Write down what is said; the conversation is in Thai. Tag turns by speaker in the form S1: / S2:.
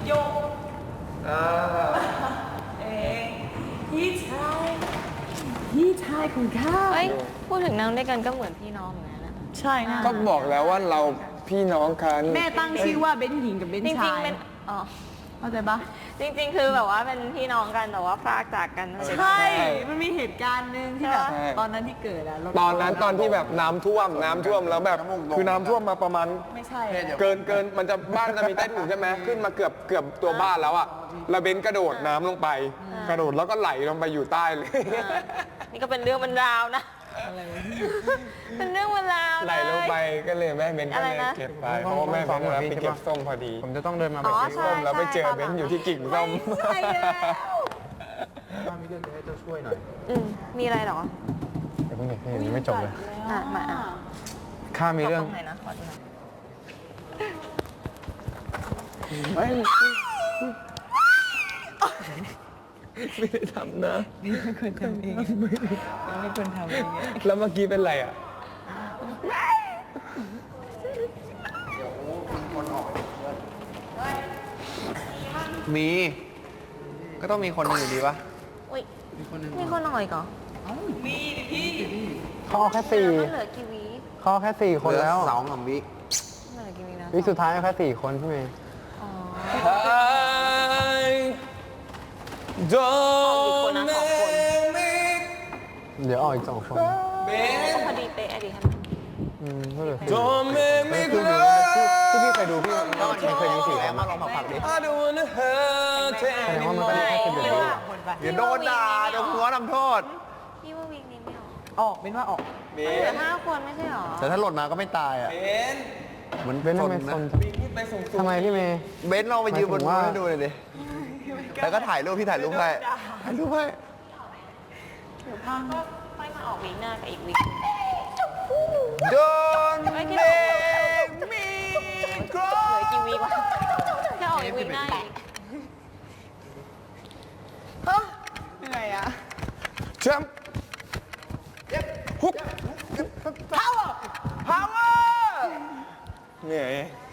S1: โยเองพี่ชายของข้า
S2: เฮ้ยพูดถึงนั่งด้วยกันก็เหมือนพี่น้องเหมือนกันนะ
S1: ใช่นะ
S3: ก็บอกแล้วว่าเราพี่น้องกัน
S1: แม่ตั้งชื่อว่าเบนหญิงกับเบน
S2: จริ
S1: ชาง ย
S2: ๆเป็นอ๋อ
S1: เข้าใจปะ
S2: จริงๆ คือแบบว่าเป็นพี่น้องกันแต่ว่าพรากจากกันตั้งแต่
S1: ใช่ มันมีเหตุการณ์หนึ่งที่แบบ
S3: ใช่
S1: ตอนนั้นที่เกิดอะ
S3: ตอนนั้นตอนที่แบบน้ำท่วมแล้วแบบคือน้ำท่วมมาประมาณ
S1: ไม่ใช่
S3: เกินมันจะบ้านจะมีใต้ถุนใช่ไหมขึ้นมาเกือบตัวบ้านแล้วอะแล้วเบนกระโดดน้ำลงไป กระโดดแล้วก็ไหลลงไปอยู่ใต้เลย
S2: นี่ก็เป็นเรื่องเป็นราวนะเป็นเรื่องเป็นราว
S3: ไหลลงไปก็เลยแม่เบนก็เลย
S2: อะไรนะ
S3: เก็บไปเพราะว่าแม่เบนไปเก็บส้มพอดี
S4: ผมจะต้องเดินมา
S2: อ๋
S4: แบบ
S2: อ
S4: นี้
S2: ใช่
S3: ส้มแล้วไปเจอเบนอยู่ที่กิ่งส้ม
S1: ใช่แล้ว
S4: ถ้ามีเรื่องจะให้เจ้าช่วยหน่อย
S2: มีอะไรเหรอ
S4: เดี๋ยวเพิ่งเด็กยังไม่จบเลย
S2: มาอ่ะ
S4: ข้ามีเรื่อง
S2: ตรงไหนนะขอดูหน่อย
S3: ไม่ได้ทำนะ
S1: นี่ไม่ควรทำเองไม่ควรทำเอง
S3: แล้วเมื่อกี้เป็นไรอ่ะ
S4: มี ก็ต้องมีคนหนึ่งอยู่ดีปะ
S2: อุ้ยมีคนหน่อยก่อน
S1: มีดิพี่
S4: เขาเอาแค่สี่
S2: แล้วเหลือกี่วิ
S4: เขาเอาแค่สี่คนแล้ว
S5: สองกับวิ
S2: เหลือกี่วินะ
S4: วิสุดท้ายเอาแค่สี่คนพี่เมย์
S2: อ๋อ
S3: Don't
S2: นะสองคน
S4: เดี๋ยวออกอีก2 คน
S2: ก็พอดีเป๊ะอะดิท่าน
S4: ก็เหลือสี่
S3: Don't make me
S4: คือ
S3: cry
S4: ที่พี่เคยดูพี่มันเคยมี4 คน
S5: มาลองมาผักดิ
S3: I don't wanna hurt
S4: แสดงว่ามันก็ได้แค่สิบเอ็ด
S2: ไม่
S4: วิ
S2: ว่า
S5: เดี๋ยวโดนด่าเดี๋ยวหัวทำโทษ
S2: พี่ว่าวิกนี้ไม่ออก
S1: ออกเป็นว่าออก
S2: มันเหลือ5 คนไม่ใช่หรอ
S5: แต่ถ้าหล่นมาก็ไม่ตายอ่ะเหมือน
S4: เบนทำไม
S5: นะ
S4: คนทำไมพี่เมย์
S5: เบนซ์เราไปยืนบน
S4: หมายถึงว่า
S5: ให้ดูเลยดิแล้วก็ถ่ายรูปพี่ถ่ายรูปให้ถ่ายรูปให้
S2: ก็ค่อยมาออกวิกหน้ากับอีกวิก
S5: Don't
S2: ไม่
S5: make
S2: ที่
S5: me
S2: เหลือกี่วิกวะแค่ออกอีกวิกหน้าอีก
S1: เหนื่อยอะ
S3: แชมป์ฮุก
S5: power
S3: เหนื่อย